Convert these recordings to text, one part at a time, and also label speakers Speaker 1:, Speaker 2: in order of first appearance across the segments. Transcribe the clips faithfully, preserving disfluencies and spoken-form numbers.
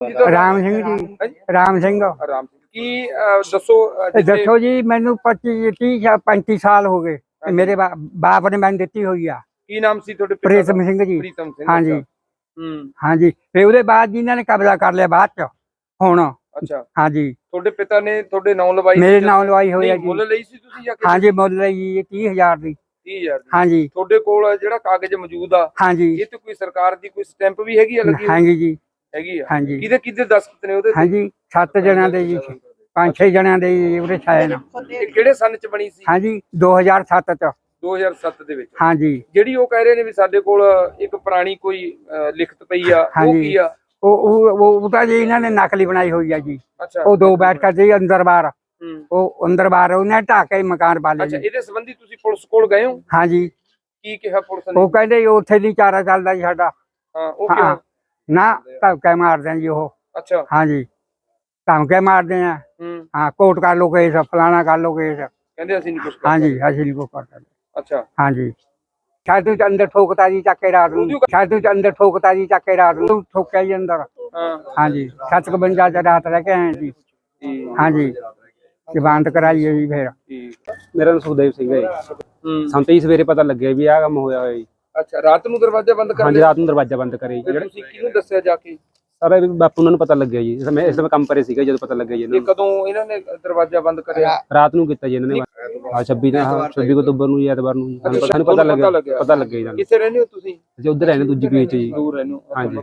Speaker 1: राम सिंह जी राम सिंह
Speaker 2: राम सिंह की दसो
Speaker 1: दसो जी मैनू पच्ची तीह पैंती साल हो गए मेरे बा, बाप ने मैंने दी हुई आ
Speaker 2: की नाम सी थोड़े
Speaker 1: प्रीतम सिंह जी
Speaker 2: प्रीतम सिंह
Speaker 1: हाँ जी हाँ जी फिर ਉਹਦੇ बाद जिन्हों ने कब्जा कर लिया बाद च हुण
Speaker 2: अच्छा
Speaker 1: हाँ जी
Speaker 2: थोड़े पिता ने थोड़े नाम लवाई
Speaker 1: मेरे नाम लवाई हुई है जी
Speaker 2: मुੱਲ ਲਈ ਸੀ ਤੁਸੀਂ ਜਾਂ
Speaker 1: हाँ जी मुੱਲ ਲਈ तीह हजार दी
Speaker 2: तीह हजार
Speaker 1: हाँ जी
Speaker 2: ਤੁਹਾਡੇ ਕੋਲ ਜਿਹੜਾ ਕਾਗਜ਼ ਮੌਜੂਦ ਆ
Speaker 1: हाँ जी
Speaker 2: ਇਹ ਤੇ ਕੋਈ ਸਰਕਾਰ ਦੀ ਕੋਈ ਸਟੈਂਪ ਵੀ ਹੈਗੀ ਆ ਲੱਗੀ
Speaker 1: हाँ जी जी
Speaker 2: ਹੈਗੀ ਆ
Speaker 1: हाँ जी
Speaker 2: ਕਿਹਦੇ ਕਿਹਦੇ ਦਸਖਤ ਨੇ ਉਹਦੇ
Speaker 1: हाँ जी सत्त जणियां दे जी पांच छे जणियां दे ਉਹਦੇ ਛਾਏ ਨਾ
Speaker 2: ਇਹ ਕਿਹੜੇ ਸੰਨ ਚ ਬਣੀ ਸੀ
Speaker 1: हाँ जी दो हज़ार सत्त ਚ
Speaker 2: ਦੋ ਹਜ਼ਾਰ ਸੱਤ ਦੇ ਵਿੱਚ
Speaker 1: हाँ जी
Speaker 2: ਜਿਹੜੀ ਉਹ ਕਹਿ ਰਹੇ ਨੇ ਵੀ ਸਾਡੇ ਕੋਲ ਇੱਕ ਪੁਰਾਣੀ ਕੋਈ ਲਿਖਤ ਪਈ ਆ ਉਹ ਕੀ ਆ
Speaker 1: ਉਹ ਉਹ ਉਹ ਤਾਂ ਜੀ ਇਹਨਾਂ ਨੇ ਨਕਲੀ ਬਣਾਈ ਹੋਈ ਆ ਜੀ
Speaker 2: ਅੱਛਾ
Speaker 1: ਉਹ ਦੋ ਬੈਠਕਾਂ ਸੀ ਅੰਦਰ ਬਾਹਰ
Speaker 2: ਹੂੰ
Speaker 1: ਉਹ ਅੰਦਰ ਬਾਹਰ ਉਹਨੇ ਢਾਹ ਕੇ ਮਕਾਨ ਪਾ ਲਏ
Speaker 2: ਅੱਛਾ ਇਹਦੇ ਸੰਬੰਧੀ ਤੁਸੀਂ ਪੁਲਿਸ ਕੋਲ ਗਏ ਹੋ
Speaker 1: ਹਾਂ ਜੀ
Speaker 2: ਕੀ ਕਿਹਾ ਪੁਲਿਸ ਨੇ
Speaker 1: ਉਹ ਕਹਿੰਦੇ ਉੱਥੇ ਨਹੀਂ ਚਾਰਾ ਚੱਲਦਾ ਜੀ ਸਾਡਾ
Speaker 2: ਹਾਂ ਉਹ ਕਿਉਂ
Speaker 1: ਨਾ ਧਮਕੇ ਮਾਰਦੇ ਆ ਜੀ ਉਹ
Speaker 2: ਅੱਛਾ
Speaker 1: ਹਾਂ ਜੀ ਧਮਕੇ ਮਾਰਦੇ ਆ
Speaker 2: ਹੂੰ
Speaker 1: ਹਾਂ ਕੋਰਟ ਕਰ ਲੋ ਕੇਸ ਫਲਾਣਾ ਕਰ ਲੋ ਕੇਸ
Speaker 2: ਕਹਿੰਦੇ ਅਸੀਂ ਨਹੀਂ ਕੁਝ ਕਰ
Speaker 1: ਹਾਂ ਜੀ ਅਸੀਂ ਨਹੀਂ ਕੁਝ ਕਰ ਸਕਦੇ
Speaker 2: ਅੱਛਾ
Speaker 1: ਹਾਂ ਜੀ ਛਾਤੂ ਚ ਅੰਦਰ ਠੋਕਤਾ ਜੀ ਚੱਕ ਕੇ ਰਾਤ ਨੂੰ ਛਾਤੂ ਚ ਅੰਦਰ ਠੋਕਤਾ ਜੀ ਚੱਕ ਕੇ ਰਾਤ ਨੂੰ ਠੋਕਿਆ ਜੀ ਅੰਦਰ
Speaker 2: ਹਾਂ
Speaker 1: ਹਾਂ ਜੀ ਸੱਤ ਕੁ ਬੰਜਾ ਚ ਰਾਤ ਰਹਿ ਕੇ ਆਏ ਜੀ ਹਾਂ ਜੀ ਜ਼ਮਾਨਤ ਕਰਾਈ ਹੈ ਜੀ ਫਿਰ
Speaker 3: ਮੇਰਾ ਨਾਮ ਸੁਖਦੇਵ ਸਿੰਘ ਹੈ ਜੀ ਸਾਨੂੰ ਤਾਂ ਸਵੇਰੇ ਪਤਾ ਲੱਗਿਆ ਵੀ ਆਹ ਕੰਮ ਹੋਇਆ ਹੋਇਆ ਜੀ
Speaker 2: ਅੱਛਾ ਰਾਤ ਨੂੰ ਦਰਵਾਜ਼ਾ ਬੰਦ ਕਰ
Speaker 3: ਹਾਂਜੀ ਰਾਤ ਨੂੰ ਦਰਵਾਜ਼ਾ ਬੰਦ ਕਰੇ ਜੀ
Speaker 2: ਤੁਸੀਂ ਕਿਹਨੂੰ ਦੱਸਿਆ ਜਾ ਕੇ
Speaker 3: ਸਾਰਾ ਬਾਪੂ ਉਹਨਾਂ ਨੂੰ ਪਤਾ ਲੱਗਿਆ ਜੀ ਮੈਂ ਇਸ ਸਮੇਂ ਕੰਮ ਕਰੇ ਸੀਗਾ ਜਦੋਂ ਪਤਾ ਲੱਗਿਆ ਜੀ ਇਹਨਾਂ
Speaker 2: ਇਹ ਕਦੋਂ ਇਹਨਾਂ ਨੇ ਦਰਵਾਜ਼ਾ ਬੰਦ ਕਰਿਆ
Speaker 3: ਨੂੰ ਰਾਤ ਨੂੰ ਕੀਤਾ ਜੀ ਇਹਨਾਂ ਨੇ ਹਾਂ ਛੱਬੀ ਦਾ ਛੱਬੀ ਅਕਤੂਬਰ ਨੂੰ ਜਾਂ ਐਤਵਾਰ ਨੂੰ ਸਾਨੂੰ ਪਤਾ ਲੱਗਿਆ ਪਤਾ ਲੱਗਿਆ ਜੀ ਸਾਨੂੰ
Speaker 2: ਕਿੱਥੇ ਰਹਿੰਦੇ ਹੋ ਤੁਸੀਂ
Speaker 3: ਅਸੀਂ ਉੱਧਰ ਰਹਿੰਦੇ ਦੂਜੀ ਪੀਚ ਜੀ
Speaker 2: ਦੂਰ ਰਹਿੰਦੇ ਹੋ
Speaker 3: ਹਾਂਜੀ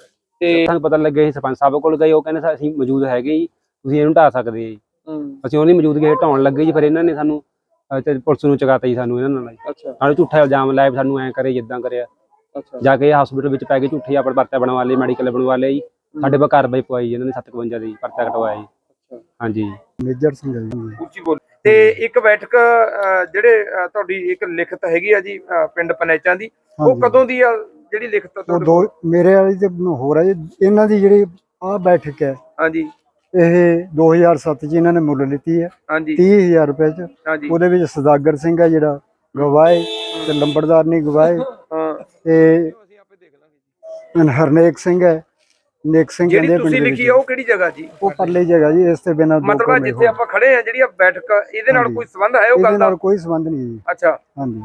Speaker 3: ਤੇ ਸਾਨੂੰ ਪਤਾ ਲੱਗਿਆ ਸੀ ਸਰਪੰਚ ਸਾਹਿਬ ਕੋਲ ਗਏ ਉਹ ਕਹਿੰਦੇ ਅਸੀਂ ਮੌਜੂਦ ਹੈਗੇ ਜੀ ਤੁਸੀਂ ਇਹਨੂੰ ਢਾਹ ਸਕਦੇ ਜੀ ਅਸੀਂ ਉਹਦੀ ਮੌਜੂਦਗੀ ਢਾਉਣ ਲੱਗੇ ਜੀ ਫਿਰ ਇਹਨਾਂ ਨੇ ਸਾਨੂੰ ਪੁਲਿਸ ਨੂੰ ਚੁਕਾਤਾ ਜੀ ਸਾਨੂੰ ਇਹਨਾਂ ਨਾਲ
Speaker 2: ਅੱਛਾ
Speaker 3: ਸਾਨੂੰ ਝੂਠਾ ਇਲਜ਼ਾਮ ਲਾਇਆ ਸਾਨੂੰ ਐਂ ਕਰੇ ਜਿੱਦਾਂ ਕਰਿਆ ਜਾ ਕੇ ਹਸਪੀਟਲ ਵਿੱਚ ਪੈ ਕੇ ਝੂਠੇ ਆਪਣੇ ਪਰਚਾ ਬਣਵਾ ਲਏ ਮੈਡੀਕਲ ਬਣਵਾ ਲਿਆ ਜੀ ਸਾਡੇ ਕੋਲ ਕਾਰਵਾਈ ਪਵਾਈ ਇਹਨਾਂ ਨੇ ਸੱਤ ਇਕਵੰਜਾ ਦੀ ਪਰਚਾ ਕਟਵਾਇਆ ਜੀ ਹਾਂਜੀ
Speaker 1: ਮੇਜਰ ਸਿੰਘ
Speaker 2: ਉੱਚੀ ਬੋਲ ਤੇ ਇੱਕ ਬੈਠਕ ਜਿਹੜੇ ਤੁਹਾਡੀ ਇੱਕ ਲਿਖਤ ਹੈਗੀ ਆ ਜੀ ਪਿੰਡ ਪਨੈਚਾਂ ਦੀ ਉਹ ਕਦੋਂ ਦੀ ਆ ਜਿਹੜੀ ਲਿਖਤ
Speaker 1: ਉਹ ਦੋ ਮੇਰੇ ਵਾਲੀ ਤੇ ਹੋਰ ਆ ਜੀ ਇਹਨਾਂ ਦੀ ਜਿਹੜੀ ਆ ਬੈਠਕ ਹੈ
Speaker 2: ਹਾਂਜੀ
Speaker 1: ਇਹ ਦੋ ਹਜ਼ਾਰ ਸੱਤ ਚ ਇਹਨਾਂ ਨੇ ਮੁੱਲ ਲਿੱਤੀ ਹੈ
Speaker 2: ਹਾਂਜੀ
Speaker 1: तीह हज़ार रुपए ਚ
Speaker 2: ਹਾਂਜੀ
Speaker 1: ਉਹਦੇ ਵਿੱਚ ਸਦਾਗਰ ਸਿੰਘ ਹੈ ਜਿਹੜਾ ਗਵਾਏ ਤੇ ਲੰਬੜਦਾਰ ਨਹੀਂ ਗਵਾਏ
Speaker 2: ਹਾਂ
Speaker 1: ਤੇ ਹਰਨੇਕ ਸਿੰਘ ਹੈ ਨੇਕ ਸਿੰਘ
Speaker 2: ਜਿਹੜੀ ਤੁਸੀਂ ਲਿਖੀ ਆ ਉਹ ਕਿਹੜੀ ਜਗ੍ਹਾ ਜੀ
Speaker 1: ਉਹ ਪਰਲੀ ਜਗ੍ਹਾ ਜੀ ਇਸ ਤੇ ਬਿਨਾਂ
Speaker 2: ਮਤਲਬ ਜਿੱਥੇ ਆਪਾਂ ਖੜੇ ਆ ਜਿਹੜੀ ਬੈਠਕ ਇਹਦੇ ਨਾਲ ਕੋਈ ਸੰਬੰਧ ਹੈ ਉਹ ਗੱਲ ਦਾ
Speaker 1: ਕੋਈ ਸੰਬੰਧ ਨਹੀਂ ਜੀ
Speaker 2: ਅੱਛਾ
Speaker 1: ਹਾਂਜੀ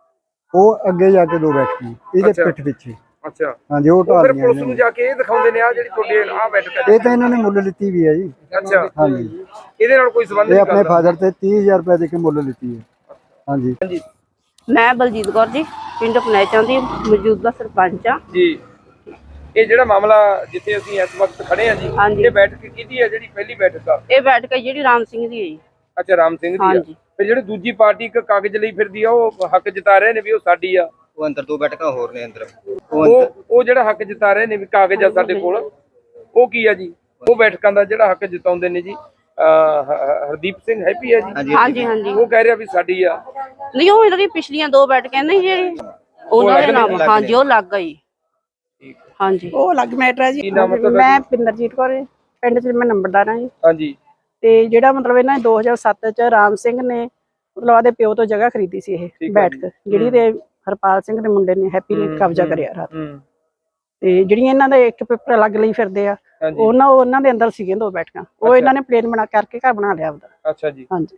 Speaker 1: ਉਹ ਅੱਗੇ ਜਾ ਕੇ ਦੋ ਬੈਠਕੀ ਇਹਦੇ ਪਿੱਠ ਪਿੱਛੇ
Speaker 2: ਅੱਛਾ
Speaker 1: ਹਾਂਜੀ ਉਹ ਢਾਲ
Speaker 2: ਫਿਰ ਪੁਲਿਸ ਨੂੰ ਜਾ ਕੇ ਇਹ ਦਿਖਾਉਂਦੇ ਨੇ ਆ ਜਿਹੜੀ ਤੁਹਾਡੀ ਆ ਬੈਠਕ ਹੈ
Speaker 1: ਇਹ ਤਾਂ ਇਹਨਾਂ ਨੇ ਮੁੱਲ ਲਿੱਤੀ ਵੀ ਹੈ ਜੀ
Speaker 2: ਅੱਛਾ
Speaker 1: ਹਾਂਜੀ
Speaker 2: ਇਹਦੇ ਨਾਲ ਕੋਈ ਸੰਬੰਧ
Speaker 1: ਇਹ
Speaker 2: ਨਹੀਂ
Speaker 1: ਆਪਣੇ ਫਾਦਰ ਤੇ तीह हज़ार रुपए ਦੇ ਕੇ ਮੁੱਲ ਲਿੱਤੀ ਹੈ ਹਾਂਜੀ
Speaker 2: ਹਾਂਜੀ
Speaker 4: ਮੈਂ ਬਲਜੀਤ ਕੌਰ ਜੀ ਪਿੰਡ ਪਨੈਚਾਂ ਦੀ ਮੌਜੂਦਾ ਸਰਪੰਚ ਆ
Speaker 2: ਜੀ ਇਹ ਜਿਹੜਾ ਮਾਮਲਾ ਜਿੱਥੇ ਅਸੀਂ ਇਸ ਵਕਤ ਖੜੇ ਆ ਜੀ ਇਹ ਬੈਠਕ ਕਿਹਦੀ ਹੈ ਜਿਹੜੀ ਪਹਿਲੀ ਬੈਠਕ ਆ
Speaker 4: ਇਹ ਬੈਠਕ ਜਿਹੜੀ ਰਾਮ ਸਿੰਘ ਦੀ ਹੈ ਜੀ
Speaker 2: ਅੱਛਾ ਰਾਮ ਸਿੰਘ ਦੀ ਆ ਫਿਰ ਜਿਹੜੇ ਦੂਜੀ ਪਾਰਟੀ ਇੱਕ ਕਾਗਜ਼ ਲਈ ਫਿਰਦੀ ਆ ਉਹ ਹੱਕ ਜਤਾ ਰਹੇ ਨੇ ਵੀ ਉਹ ਸਾਡੀ ਆ
Speaker 5: ਉਹ ਅੰਦਰ ਦੋ ਬੈਠਕਾਂ ਹੋਰ ਨੇ ਅੰਦਰ
Speaker 2: ਉਹ ਉਹ ਜਿਹੜਾ ਹੱਕ ਜਤਾ ਰਹੇ ਨੇ ਵੀ ਕਾਗਜ਼ ਆ ਸਾਡੇ ਕੋਲ ਉਹ ਕੀ ਆ ਜੀ ਉਹ ਬੈਠਕਾਂ ਦਾ ਜਿਹੜਾ ਹੱਕ ਜਤਾਉਂਦੇ ਨੇ ਜੀ ਹਰਦੀਪ ਸਿੰਘ ਹੈਪੀ ਆ ਜੀ
Speaker 4: ਹਾਂਜੀ ਹਾਂਜੀ
Speaker 2: ਉਹ ਕਹਿ ਰਿਹਾ ਵੀ ਸਾਡੀ ਆ
Speaker 4: ਨਹੀਂ ਉਹ ਇਹਨਾਂ ਦੀ ਪਿਛਲੀਆਂ ਦੋ ਬੈਠਕਾਂ ਨੇ ਜੀ ਉਹਨਾਂ ਦੇ ਨਾਮ ਹਾਂਜੀ ਉਹ ਲੱਗ ਗਈ ਹਾਂਜੀ
Speaker 6: ਉਹ ਅਲੱਗ ਮੈਟਰ ਹੈ ਜੀ ਮੈਂ ਪਿੰਦਰਜੀਤ ਕੌਰ ਪਿੰਡ ਚ ਮੈਂ ਨੰਬਰਦਾਰ ਹਾਂ ਜੀ
Speaker 2: ਹਾਂਜੀ
Speaker 6: ਤੇ ਜਿਹੜਾ ਮਤਲਬ ਇਹਨਾਂ ਨੇ ਦੋ ਹਜ਼ਾਰ ਸੱਤ ਚ ਰਾਮ ਸਿੰਘ ਨੇ ਮਤਲਬ ਆਦੇ ਪਿਓ ਤੋਂ ਜਗ੍ਹਾ ਖਰੀਦੀ ਸੀ ਇਹ ਬੈਠਕ ਜਿਹੜੀ ਤੇ ਹਰਪਾਲ ਸਿੰਘ ਦੇ ਮੁੰਡੇ ਨੇ ਹੈਪੀ ਨੇ ਕਬਜ਼ਾ ਕਰਿਆ ਰਾਤ ਤੇ ਜਿਹੜੀਆਂ ਇਹਨਾਂ ਦੇ ਇੱਕ ਪੇਪਰ ਅਲੱਗ ਲਈ ਫਿਰਦੇ ਆ ਉਹਨਾਂ ਉਹਨਾਂ ਦੇ ਅੰਦਰ ਸੀਗੇ ਦੋ ਬੈਠਕਾਂ ਉਹ ਇਹਨਾਂ ਨੇ ਪਲੇਨ ਬਣਾ ਕਰਕੇ ਘਰ ਬਣਾ ਲਿਆ ਉਹਦਾ
Speaker 2: ਅੱਛਾ ਜੀ
Speaker 6: ਹਾਂਜੀ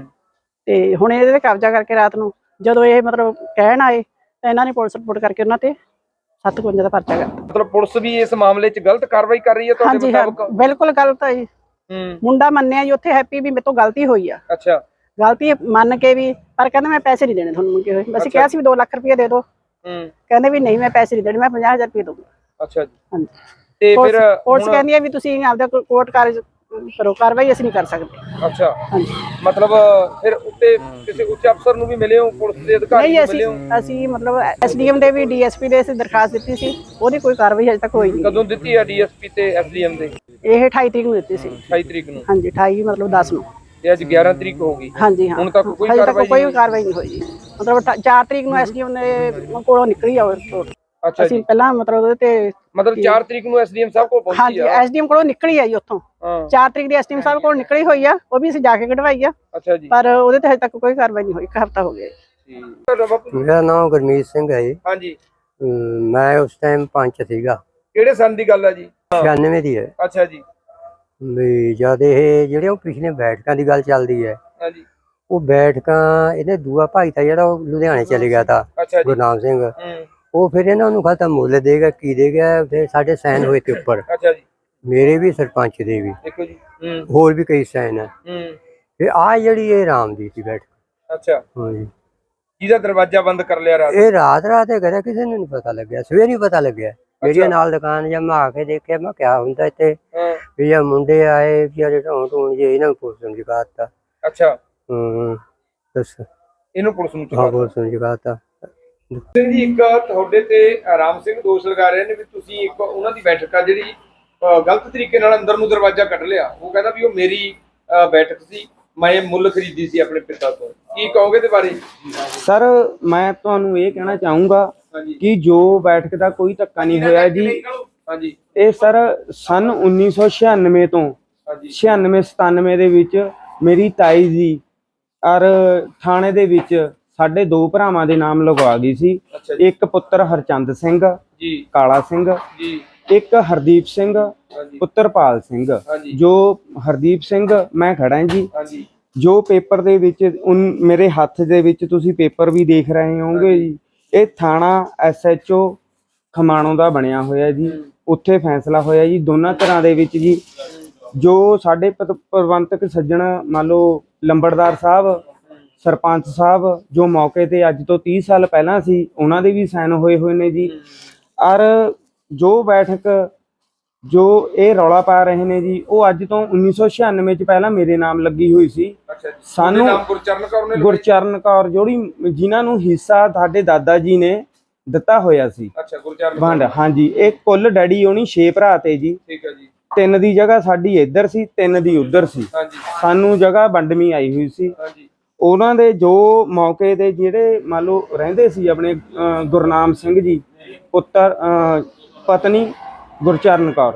Speaker 6: ਤੇ ਹੁਣ ਇਹਦੇ ਤੇ ਕਬਜ਼ਾ ਕਰਕੇ ਰਾਤ ਨੂੰ ਜਦੋਂ ਇਹ ਮਤਲਬ ਕਹਿਣ ਆਏ ਤਾਂ ਇਹਨਾਂ ਨੇ ਪੁਲਿਸ ਰਿਪੋਰਟ ਕਰਕੇ ਉਹਨਾਂ ਤੇ ਸੱਤ ਇਕਵੰਜਾ ਦਾ ਪਰਚਾ ਕਰਤਾ
Speaker 2: ਮਤਲਬ ਪੁਲਿਸ ਵੀ ਇਸ ਮਾਮਲੇ 'ਚ ਗਲਤ ਕਾਰਵਾਈ ਕਰ ਰਹੀ ਹੈ ਤੁਹਾਡੇ ਮੁਤਾਬਕ
Speaker 6: ਬਿਲਕੁਲ ਗਲਤ ਹੈ ਜੀ ਮੁੰਡਾ ਮੰਨਿਆ ਜੀ ਉੱਥੇ ਹੈਪੀ ਵੀ ਮੇਰੇ ਤੋਂ ਗਲਤੀ ਹੋਈ ਆ
Speaker 2: ਅੱਛਾ
Speaker 6: ਗਲਤੀ ਮੰਨ ਕੇ ਵੀ ਪਰ ਕਹਿੰਦਾ ਮੈਂ ਪੈਸੇ ਨਹੀਂ ਦੇਣੇ ਤੁਹਾਨੂੰ ਮੰਗੇ ਹੋਏ ਅਸੀਂ ਕਿਹਾ ਸੀ ਵੀ ਦੋ ਲੱਖ ਰੁਪਏ ਦੇ ਦਿਓ ਕਹਿੰਦੇ ਵੀ ਨਹੀਂ ਮੈਂ ਪੈਸੇ ਨਹੀਂ ਦੇਣੇ ਮੈਂ ਪੰਜਾਹ ਹਜ਼ਾਰ ਰੁਪਏ ਦਊਂਗਾ
Speaker 2: ਅੱਛਾ ਜੀ
Speaker 6: ਹਾਂਜੀ
Speaker 2: ਤੇ ਫਿਰ
Speaker 6: ਪੁਲਿਸ ਕਹਿੰਦੀ ਹੈ ਵੀ ਤੁਸੀਂ ਆਪਦਾ ਕੋਰਟ ਕਾਰਜ ਕਰੋ ਕਾਰਵਾਈ ਅਸੀਂ ਨਹੀਂ ਕਰ ਸਕਦੇ
Speaker 2: ਅੱਛਾ
Speaker 6: ਹਾਂਜੀ
Speaker 2: ਮਤਲਬ ਫਿਰ ਉੱਤੇ ਕਿਸੇ ਉੱਚ ਅਫਸਰ ਨੂੰ ਵੀ ਮਿਲੇ ਹੋ ਪੁਲਿਸ ਦੇ ਅਧਿਕਾਰੀ ਨੂੰ ਮਿਲੇ ਹੋ
Speaker 6: ਅਸੀਂ ਅਸੀਂ ਮਤਲਬ ਐਸਡੀਐਮ ਦੇ ਵੀ ਡੀਐਸਪੀ ਦੇ ਅਸੀਂ ਦਰਖਾਸਤ ਦਿੱਤੀ ਸੀ ਉਹਦੀ ਕੋਈ ਕਾਰਵਾਈ ਅਜੇ ਤੱਕ ਹੋਈ ਨਹੀਂ
Speaker 2: ਕਦੋਂ ਦਿੱਤੀ ਹੈ ਡੀਐਸਪੀ ਤੇ ਐਸਡੀਐਮ ਦੇ
Speaker 6: ਇਹ ਅਠਾਈ ਤਰੀਕ ਨੂੰ ਦਿੱਤੀ ਸੀ
Speaker 2: ਅਠਾਈ ਤਰੀਕ ਨੂੰ
Speaker 6: ਹਾਂਜੀ ਅਠਾਈ ਮਤਲਬ ਦਸ ਨੂੰ
Speaker 2: ਤੇ ਅੱਜ ਗਿਆਰਾਂ ਤਰੀਕ ਹੋ ਗਈ
Speaker 6: ਹਾਂਜੀ ਹਾਂ
Speaker 2: ਹੁਣ ਤੱਕ ਕੋਈ
Speaker 6: ਹਜੇ ਤੱਕ
Speaker 2: ਕਾਰਵਾਈ
Speaker 6: ਕੋਈ ਕਾਰਵਾਈ ਨਹੀਂ ਹੋਈ ਮਤਲਬ ਚਾਰ ਤਰੀਕ ਨੂੰ ਐਸਡੀਐਮ ਨੇ ਕੋਲੋਂ ਨਿਕਲੀ ਆ ਰਿਪੋਰਟ
Speaker 2: ਅੱਛਾ
Speaker 6: ਅਸੀਂ ਪਹਿਲਾਂ ਮਤਲਬ ਉਹਦੇ ਤੇ
Speaker 2: ਮਤਲਬ ਚਾਰ ਤਰੀਕ ਨੂੰ ਐਸਡੀਐਮ ਸਾਹਿਬ ਕੋਲ ਪਹੁੰਚੀ
Speaker 6: ਹਾਂਜੀ ਐਸਡੀਐਮ ਕੋਲੋਂ ਨਿਕਲੀ ਆ ਜੀ ਉੱਥੋਂ ਚਾਰ ਤਰੀਕ ਦੀ ਐਸਡੀਐਮ ਸਾਹਿਬ ਕੋਲ ਨਿਕਲੀ ਹੋਈ ਆ ਉਹ ਵੀ ਅਸੀਂ ਜਾ ਕੇ ਕਢਵਾਈ ਆ
Speaker 2: ਅੱਛਾ ਜੀ
Speaker 6: ਪਰ ਉਹਦੇ ਤੇ ਹਜੇ ਤੱਕ ਕੋਈ ਕਾਰਵਾਈ ਨਹੀਂ ਹੋਈ ਇੱਕ ਹਫ਼ਤਾ ਹੋ ਗਿਆ
Speaker 7: ਮੇਰਾ ਨਾਮ ਗੁਰਮੀਤ ਸਿੰਘ ਹੈ ਜੀ
Speaker 2: ਹਾਂਜੀ
Speaker 7: ਮੈਂ ਉਸ ਟਾਈਮ ਪੰਚ ਸੀਗਾ
Speaker 2: ਕਿਹੜੇ ਸੰਨ ਦੀ ਗੱਲ ਆ ਜੀ
Speaker 7: ਛਿਆਨਵੇਂ ਦੀ ਹੈ।
Speaker 2: ਅੱਛਾ ਜੀ।
Speaker 7: ਵੀ ਜਦ ਇਹ ਜਿਹੜੇ ਉਹ ਪਿਛਲੇ ਬੈਠਕਾਂ ਦੀ ਗੱਲ ਚੱਲਦੀ ਹੈ,
Speaker 2: ਹਾਂਜੀ।
Speaker 7: ਉਹ ਬੈਠਕਾਂ ਇਹਦੇ ਦੂਆ ਭਾਈ ਤਾਂ ਜਿਹੜਾ ਉਹ ਲੁਧਿਆਣੇ ਚਲੇ ਗਿਆ ਤਾ,
Speaker 2: ਅੱਛਾ ਜੀ।
Speaker 7: ਗੁਰਨਾਮ ਸਿੰਘ।
Speaker 2: ਹੂੰ।
Speaker 7: ਉਹ ਫਿਰ ਇਹਨਾਂ ਨੂੰ ਖਾਤਾ ਮੁੱਲ ਦੇਗਾ ਕੀ ਦੇਗਾ, ਫਿਰ ਸਾਡੇ ਸਾਈਨ ਹੋਏ ਤੇ ਉੱਪਰ,
Speaker 2: ਅੱਛਾ ਜੀ।
Speaker 7: ਮੇਰੇ ਵੀ ਸਰਪੰਚ ਦੇ ਵੀ,
Speaker 2: ਦੇਖੋ ਜੀ। ਹੂੰ।
Speaker 7: ਹੋਰ ਵੀ ਕਈ ਸਾਈਨ ਹੈ।
Speaker 2: ਹੂੰ।
Speaker 7: ਫਿਰ ਆ ਜਿਹੜੀ ਇਹ ਰਾਮ ਦੀ ਸੀ ਬੈਠਕ।
Speaker 2: ਅੱਛਾ।
Speaker 7: ਹਾਂਜੀ।
Speaker 2: ਜਿਹਦਾ ਦਰਵਾਜ਼ਾ ਬੰਦ ਕਰ ਲਿਆ ਰਾਤ?
Speaker 7: ਇਹ ਰਾਤ ਰਾਤ ਇਹ ਕਰਿਆ, ਕਿਸੇ ਨੂੰ ਨਹੀਂ ਪਤਾ ਲੱਗਿਆ, ਸਵੇਰੇ ਹੀ ਪਤਾ ਲੱਗਿਆ। ਜਿਹੜੀ ਨਾਲ ਦੁਕਾਨ ਜਾਂ ਮੈਂ ਆ ਕੇ ਦੇਖਿਆ, ਮੈਂ ਕਿਹਾ ਹੁੰਦਾ ਇੱਥੇ ਵੀ ਇਹ ਮੁੰਡੇ ਆਏ ਵਿਚਾਰੇ ਢੋਣ ਢੋਣ ਜੇ, ਇਹਨਾਂ ਨੂੰ ਪੁਲਿਸ ਨੂੰ ਜਗਾਤਾ।
Speaker 2: ਅੱਛਾ।
Speaker 7: ਹੂੰ। ਦੱਸ
Speaker 2: ਇਹਨੂੰ ਪੁਲਿਸ ਨੂੰ
Speaker 7: ਹਾਂ, ਪੁਲਿਸ ਨੂੰ ਜਗਾਤਾ।
Speaker 2: ਸਿੰਘ ਜੀ, ਇੱਕ ਤੁਹਾਡੇ ਤੇ ਰਾਮ ਸਿੰਘ ਦੋਸ਼ ਲਗਾ ਰਹੇ ਨੇ ਵੀ ਤੁਸੀਂ ਇੱਕ ਉਹਨਾਂ ਦੀ ਬੈਠਕ ਆ ਜਿਹੜੀ ਅਹ, ਗਲਤ ਤਰੀਕੇ ਨਾਲ ਅੰਦਰ ਨੂੰ ਦਰਵਾਜ਼ਾ ਕੱਢ ਲਿਆ। ਉਹ ਕਹਿੰਦਾ ਵੀ ਉਹ ਮੇਰੀ ਅਹ, ਬੈਠਕ ਸੀ, ਮੈਂ ਇਹ ਮੁੱਲ ਖਰੀਦੀ ਸੀ ਆਪਣੇ ਪਿਤਾ ਤੋਂ। ਕੀ ਕਹੋਗੇ ਇਹਦੇ ਬਾਰੇ?
Speaker 3: ਸਰ ਮੈਂ ਤੁਹਾਨੂੰ ਇਹ ਕਹਿਣਾ ਚਾਹੂੰਗਾ ਕਿ ਜੋ ਬੈਠਕ ਦਾ ਕੋਈ ਧੱਕਾ ਨਹੀਂ ਹੋਇਆ ਜੀ।
Speaker 2: ਹਾਂਜੀ।
Speaker 3: ਇਹ ਸਰ ਸਨ ਉੱਨੀ ਸੌ ਛਿਆਨਵੇਂ ਤੋਂ ਛਿਆਨਵੇਂ ਸਤਾਨਵੇਂ ਦੇ ਵਿੱਚ ਮੇਰੀ ਤਾਈ ਜੀ ਔਰ ਥਾਣੇ ਦੇ ਵਿੱਚ ਸਾਡੇ ਦੋ ਭਰਾਵਾਂ ਦੇ ਨਾਮ ਲਗਵਾ ਗਈ ਸੀ। ਇੱਕ ਪੁੱਤਰ ਹਰਚੰਦ ਸਿੰਘ
Speaker 2: ਜੀ, ਕਾਲਾ
Speaker 3: ਕਾਲਾ ਸਿੰਘ
Speaker 2: ਜੀ,
Speaker 3: ਇੱਕ ਹਰਦੀਪ ਸਿੰਘ ਪੁੱਤਰ ਪਾਲ ਸਿੰਘ। ਜੋ ਹਰਦੀਪ ਸਿੰਘ ਮੈਂ ਖੜਾ ਜੀ,
Speaker 2: ਹਾਂਜੀ।
Speaker 3: ਜੋ ਪੇਪਰ ਦੇ ਵਿੱਚ ਉਨ ਮੇਰੇ ਹੱਥ ਦੇ ਵਿੱਚ ਤੁਸੀਂ ਪੇਪਰ ਵੀ ਦੇਖ ਰਹੇ ਹੋਵੋਗੇ ਜੀ, ਇਹ ਥਾਣਾ ਐਸ ਐਚ ਓ ਖਮਾਣੋਂ ਦਾ ਬਣਿਆ ਹੋਇਆ ਜੀ। ਉੱਥੇ ਫੈਸਲਾ ਹੋਇਆ ਜੀ ਦੋਨਾਂ ਤਰ੍ਹਾਂ ਦੇ ਵਿੱਚ ਜੀ। ਜੋ ਸਾਡੇ ਪ- ਪ੍ਰਬੰਧਕ ਸੱਜਣ ਮੰਨ ਲਓ ਲੰਬੜਦਾਰ ਸਾਹਿਬ, ਸਰਪੰਚ ਸਾਹਿਬ, ਜੋ ਮੌਕੇ ਤੇ ਅੱਜ ਤੋਂ ਤੀਹ ਸਾਲ ਪਹਿਲਾਂ ਸੀ, ਉਹਨਾਂ ਦੇ ਵੀ ਸਾਈਨ ਹੋਏ ਹੋਏ ਨੇ ਜੀ। ਔਰ ਜੋ ਬੈਠਕ ਜੋ ਇਹ ਰੌਲਾ ਪਾ ਰਹੇ ਨੇ ਜੀ, ਉਹ ਅੱਜ ਤੋਂ ਉੱਨੀ ਸੌ ਛਿਆਨਵੇਂ ਚ ਪਹਿਲਾਂ ਮੇਰੇ ਨਾਮ ਲੱਗੀ ਹੋਈ ਸੀ। ਸਾਨੂੰ
Speaker 2: ਗੁਰਚਰਨ ਕੌਰ ਨੇ
Speaker 3: ਗੁਰਚਰਨ ਕੌਰ ਜਿਹੜੀ ਜਿਨ੍ਹਾਂ ਨੂੰ ਹਿੱਸਾ ਸਾਡੇ ਦਾਦਾ ਜੀ ਨੇ ਦਿੱਤਾ ਹੋਇਆ ਸੀ।
Speaker 2: ਅੱਛਾ, ਗੁਰਚਰਨ
Speaker 3: ਵੰਡ। ਹਾਂਜੀ। ਇਹ ਕੁੱਲ ਡੈਡੀ ਹੋਣੀ ਛੇ ਭਰਾ ਤੇ ਜੀ।
Speaker 2: ਠੀਕ ਹੈ ਜੀ।
Speaker 3: ਤਿੰਨ ਦੀ ਜਗ੍ਹਾ ਸਾਡੀ ਇੱਧਰ ਸੀ, ਤਿੰਨ ਦੀ ਉੱਧਰ ਸੀ।
Speaker 2: ਹਾਂਜੀ।
Speaker 3: ਸਾਨੂੰ ਜਗ੍ਹਾ ਵੰਡਵੀਂ ਆਈ ਹੋਈ ਸੀ।
Speaker 2: ਹਾਂਜੀ।
Speaker 3: ਉਹਨਾਂ ਦੇ ਜੋ ਮੌਕੇ ਤੇ ਜਿਹੜੇ ਮੰਨ ਲਓ ਰਹਿੰਦੇ ਸੀ ਆਪਣੇ ਅਹ, ਗੁਰਨਾਮ ਸਿੰਘ ਜੀ ਪੁੱਤਰ ਅਹ, ਪਤਨੀ ਗੁਰਚਰਨ ਕੌਰ,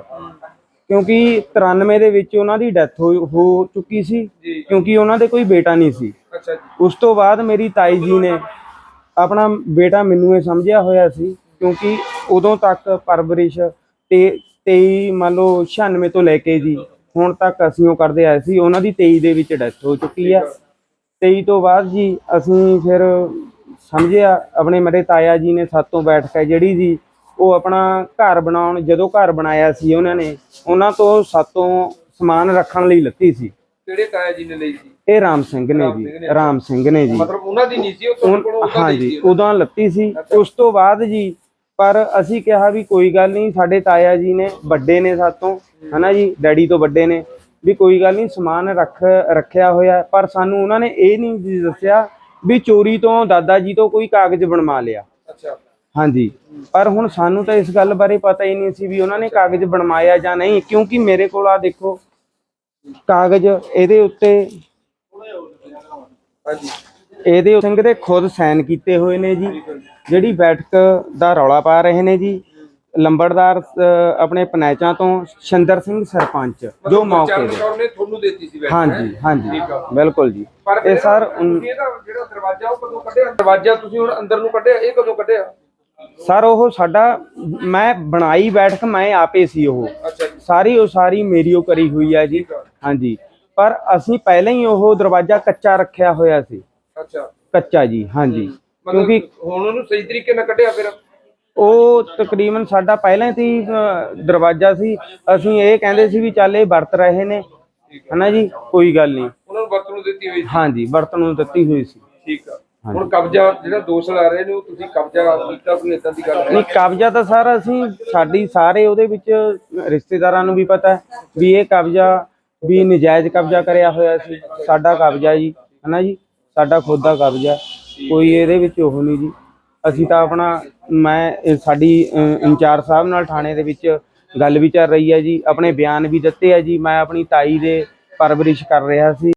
Speaker 3: ਕਿਉਂਕਿ ਤਰਾਨਵੇਂ ਦੇ ਵਿੱਚ ਉਹਨਾਂ ਦੀ ਡੈਥ ਹੋ ਚੁੱਕੀ ਸੀ, ਕਿਉਂਕਿ ਉਹਨਾਂ ਦੇ ਕੋਈ ਬੇਟਾ ਨਹੀਂ ਸੀ।
Speaker 2: ਅੱਛਾ ਜੀ।
Speaker 3: ਉਸ ਤੋਂ ਬਾਅਦ ਮੇਰੀ ਤਾਈ ਜੀ ਨੇ ਆਪਣਾ ਬੇਟਾ ਮੈਨੂੰ ਇਹ ਸਮਝਿਆ ਹੋਇਆ ਸੀ, ਕਿਉਂਕਿ ਉਦੋਂ ਤੱਕ ਪਰਵਰਿਸ਼ ਤੇ ਤੇਈ ਮੰਨ ਲਓ ਛਿਆਨਵੇਂ ਤੋਂ ਲੈ ਕੇ ਜੀ ਹੁਣ ਤੱਕ ਅਸੀਂ ਉਹ ਕਰਦੇ ਆਏ ਸੀ। ਉਹਨਾਂ ਦੀ ਤੇਈ ਦੇ ਵਿੱਚ ਡੈਥ ਹੋ ਚੁੱਕੀ ਆ। ਤੇਈ ਤੋਂ ਬਾਅਦ ਜੀ ਅਸੀਂ ਫਿਰ ਸਮਝਿਆ, ਆਪਣੇ ਮੇਰੇ ਤਾਇਆ ਜੀ ਨੇ ਸਾਤੋਂ ਬੈਠ ਕੇ ਜਿਹੜੀ ਜੀ ਉਹ ਆਪਣਾ ਘਰ ਬਣਾਉਣ, ਜਦੋਂ ਘਰ ਬਣਾਇਆ ਸੀ ਉਹਨਾਂ ਨੇ, ਉਹਨਾਂ ਤੋਂ ਸਾਤੋਂ ਸਮਾਨ ਰੱਖਣ ਲਈ ਲੱਤੀ ਸੀ।
Speaker 2: ਕਿਹੜੇ ਤਾਇਆ ਜੀ ਨੇ ਲਈ ਸੀ?
Speaker 3: ਇਹ ਰਾਮ ਸਿੰਘ ਨੇ ਜੀ, ਰਾਮ ਸਿੰਘ ਨੇ ਜੀ।
Speaker 2: ਮਤਲਬ ਉਹਨਾਂ ਦੀ ਨਹੀਂ ਸੀ ਉਹ ਤੁਹਾਡੇ ਕੋਲ?
Speaker 3: ਹਾਂਜੀ, ਉਦੋਂ ਲੱਤੀ ਸੀ। ਉਸ ਤੋਂ ਬਾਅਦ ਜੀ ਪਰ ਅਸੀਂ ਕਿਹਾ ਵੀ ਕੋਈ ਗੱਲ ਨਹੀਂ, ਸਾਡੇ ਤਾਇਆ ਜੀ ਨੇ ਵੱਡੇ ਨੇ ਸਾਤੋਂ, ਹਨਾ ਜੀ, ਡੈਡੀ ਤੋਂ ਵੱਡੇ ਨੇ, ਵੀ ਕੋਈ ਗੱਲ ਨਹੀਂ ਸਮਾਨ ਰੱਖ ਰੱਖਿਆ ਹੋਇਆ। ਪਰ ਸਾਨੂੰ ਉਹਨਾਂ ਨੇ ਇਹ ਨਹੀਂ ਜੀ ਦੱਸਿਆ ਵੀ ਚੋਰੀ ਤੋਂ ਦਾਦਾ ਜੀ ਤੋਂ ਕੋਈ ਕਾਗਜ਼ ਬਣਵਾ ਲਿਆ।
Speaker 2: ਅੱਛਾ।
Speaker 3: ਹਾਂਜੀ। ਪਰ ਹੁਣ ਸਾਨੂੰ ਤਾਂ ਇਸ ਗੱਲ ਬਾਰੇ ਪਤਾ ਹੀ ਨਹੀਂ ਸੀ ਵੀ ਉਹਨਾਂ ਨੇ ਕਾਗਜ਼ ਬਣਵਾਇਆ ਜਾਂ ਨਹੀਂ, ਕਿਉਂਕਿ ਮੇਰੇ ਕੋਲ ਆ ਦੇਖੋ ਕਾਗਜ਼, ਇਹਦੇ ਉੱਤੇ
Speaker 2: ਹਾਂਜੀ,
Speaker 3: ਇਹਦੇ ਸਿੰਘ ਦੇ ਖੁਦ ਸਾਈਨ ਕੀਤੇ ਹੋਏ ਨੇ ਜੀ। ਜਿਹੜੀ ਬੈਠਕ ਦਾ ਰੌਲਾ ਪਾ ਰਹੇ ਨੇ ਜੀ ਲੰਬੜਦਾਰ ਅਹ, ਆਪਣੇ ਪੰਚਾਇਤਾਂ ਤੋਂ ਸ਼ਿੰਦਰ ਸਿੰਘ ਸਰਪੰਚ, ਜੋ ਮੌਕੇ ਦੇ।
Speaker 2: ਨੇ ਤੁਹਾਨੂੰ ਦਿੱਤੀ ਸੀ ਬੈਠਕ?
Speaker 3: ਹਾਂਜੀ ਹਾਂਜੀ, ਬਿਲਕੁਲ ਜੀ।
Speaker 2: ਪਰ
Speaker 3: ਇਹ ਸਰ
Speaker 2: ਇਹਦਾ ਜਿਹੜਾ ਦਰਵਾਜ਼ਾ ਉਹ ਕਦੋਂ ਕੱਢਿਆ? ਦਰਵਾਜ਼ਾ ਤੁਸੀਂ ਹੁਣ ਅੰਦਰ ਨੂੰ ਕੱਢਿਆ, ਇਹ ਕਦੋਂ ਕੱਢਿਆ?
Speaker 3: ਸਰ ਉਹ ਸਾਡਾ, ਮੈਂ ਬਣਾਈ ਬੈਠਕ ਮੈਂ ਆਪੇ ਸੀ। ਉਹ
Speaker 2: ਅੱਛਾ ਜੀ।
Speaker 3: ਸਾਰੀ ਉਹ ਸਾਰੀ ਮੇਰੀ ਉਹ ਕਰੀ ਹੋਈ ਹੈ ਜੀ। ਹਾਂਜੀ। ਪਰ ਅਸੀਂ ਪਹਿਲਾਂ ਹੀ ਉਹ ਦਰਵਾਜ਼ਾ ਕੱਚਾ ਰੱਖਿਆ ਹੋਇਆ ਸੀ।
Speaker 2: ਅੱਛਾ,
Speaker 3: ਕੱਚਾ ਜੀ। ਹਾਂਜੀ। ਕਿਉਂਕਿ
Speaker 2: ਹੁਣ ਉਹਨੂੰ ਸਹੀ ਤਰੀਕੇ ਨਾਲ ਕੱਢਿਆ ਫਿਰ?
Speaker 3: ਉਹ ਤਕਰੀਬਨ ਸਾਡਾ ਪਹਿਲਾਂ ਹੀ ਅਹ, ਦਰਵਾਜ਼ਾ ਸੀ। ਅਸੀਂ ਇਹ ਕਹਿੰਦੇ ਸੀ ਵੀ ਚੱਲ ਇਹ ਵਰਤ ਰਹੇ ਨੇ, ਹਨਾ ਜੀ, ਕੋਈ ਗੱਲ ਨਹੀਂ।
Speaker 2: ਉਹਨਾਂ ਨੂੰ ਵਰਤੋਂ ਨੂੰ ਦਿੱਤੀ ਹੋਈ ਸੀ?
Speaker 3: ਹਾਂਜੀ, ਵਰਤੋਂ ਨੂੰ ਦਿੱਤੀ ਹੋਈ ਸੀ।
Speaker 2: ਠੀਕ ਆ। ਹੁਣ ਕਬਜ਼ਾ ਜਿਹੜਾ ਦੋਸ਼ ਲਾ ਰਹੇ ਨੇ, ਉਹ ਤੁਸੀਂ ਕਬਜ਼ਾ ਕੀਤਾ, ਕੋਈ ਏਦਾਂ ਦੀ ਗੱਲ
Speaker 3: ਨਹੀਂ, ਕਬਜ਼ਾ ਤਾਂ ਸਰ ਅਸੀਂ ਸਾਡੀ ਸਾਰੇ ਉਹਦੇ ਵਿੱਚ ਰਿਸ਼ਤੇਦਾਰਾਂ ਨੂੰ ਵੀ ਪਤਾ ਵੀ ਇਹ ਕਬਜ਼ਾ ਵੀ ਨਜਾਇਜ਼ ਕਬਜ਼ਾ ਕਰਿਆ ਹੋਇਆ ਸੀ। ਸਾਡਾ ਕਬਜ਼ਾ ਜੀ, ਹਨਾ ਜੀ, ਸਾਡਾ ਖੁਦ ਦਾ ਕਬਜ਼ਾ, ਕੋਈ ਇਹਦੇ ਵਿੱਚ ਉਹ ਨਹੀਂ ਜੀ। ਅਸੀਂ ਤਾਂ ਆਪਣਾ, ਮੈਂ ਸਾਡੀ ਇੰਚਾਰਜ ਸਾਹਿਬ ਨਾਲ ਥਾਣੇ ਦੇ ਵਿੱਚ ਗੱਲ ਵੀ ਚੱਲ ਰਹੀ ਹੈ ਜੀ, ਆਪਣੇ ਬਿਆਨ ਵੀ ਦਿੱਤੇ ਆ ਜੀ। ਮੈਂ ਆਪਣੀ ਤਾਈ ਦੇ ਪਰਵਰਿਸ਼ ਕਰ ਰਿਹਾ ਸੀ।